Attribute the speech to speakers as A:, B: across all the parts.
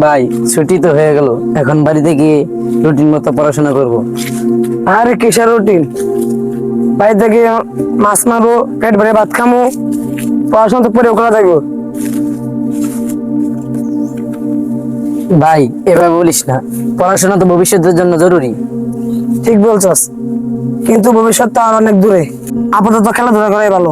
A: ভাই ছুটি তো হয়ে গেল, এখন বাড়িতে গিয়ে রুটিন মতো পড়াশোনা করব।
B: আরে কিসের রুটিন? বাড়িতে গিয়ে মাছ মারবো, পেট ভরে ভাত খামো, পড়াশোনা তো পরে করা থাকবো।
A: ভাই এভাবে বলিস না, পড়াশোনা তো ভবিষ্যতের জন্য জরুরি।
B: ঠিক বলছস, কিন্তু ভবিষ্যৎ তো আর অনেক দূরে। আপাতত খেলাধুলা করাই ভালো।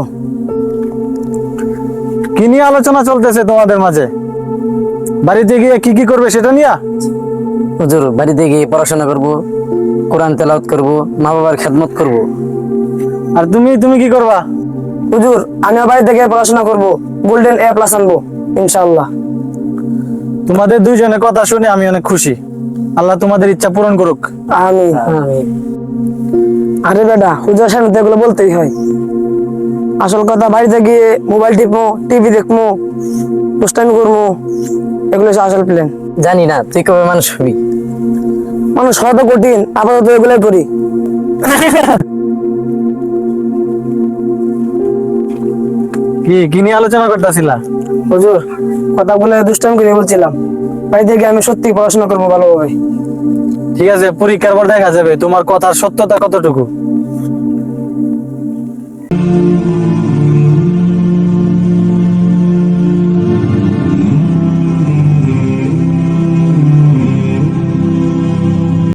C: কি নিয়ে আলোচনা চলতেছে তোমাদের মাঝে? বাড়িতে গিয়ে কি কি করবে সেটা নিয়ে?
A: হুজুর, বাড়িতে গিয়ে পড়াশোনা করব, কোরআন তেলাওয়াত করব, মা বাবার খেদমত করব।
C: আর তুমি তুমি কি করবা?
B: হুজুর, আমিও বাড়ি থেকে পড়াশোনা করবো, গোল্ডেন এ প্লাস আনবো ইনশাআল্লাহ।
C: তোমাদের দুইজনের কথা শুনে আমি অনেক খুশি। আল্লাহ তোমাদের ইচ্ছা পূরণ করুক।
B: আমিন।
A: আমিন।
B: আরে বেটা, হুজুর সামনে তো এগুলো বলতেই হয়। আসল কথা, বাড়িতে গিয়ে মোবাইল টিপবো, টিভি দেখবো, দুষ্টামি করবো, এগুলো হচ্ছে আসল প্ল্যান।
A: জানি না তুই কবে মানুষ হবি।
B: মানুষ হওয়া তো কঠিন, আপাতত এগুলাই করি।
C: কি কি নিয়ে আলোচনা করতেছিলা?
B: হুজুর, কথা বলে দুষ্টামি করে বলছিলাম, বাড়িতে গিয়ে আমি সত্যি পড়াশোনা করবো ভালোভাবে।
C: ঠিক আছে, পরীক্ষার পর দেখা যাবে তোমার কথার সত্যতা কতটুকু।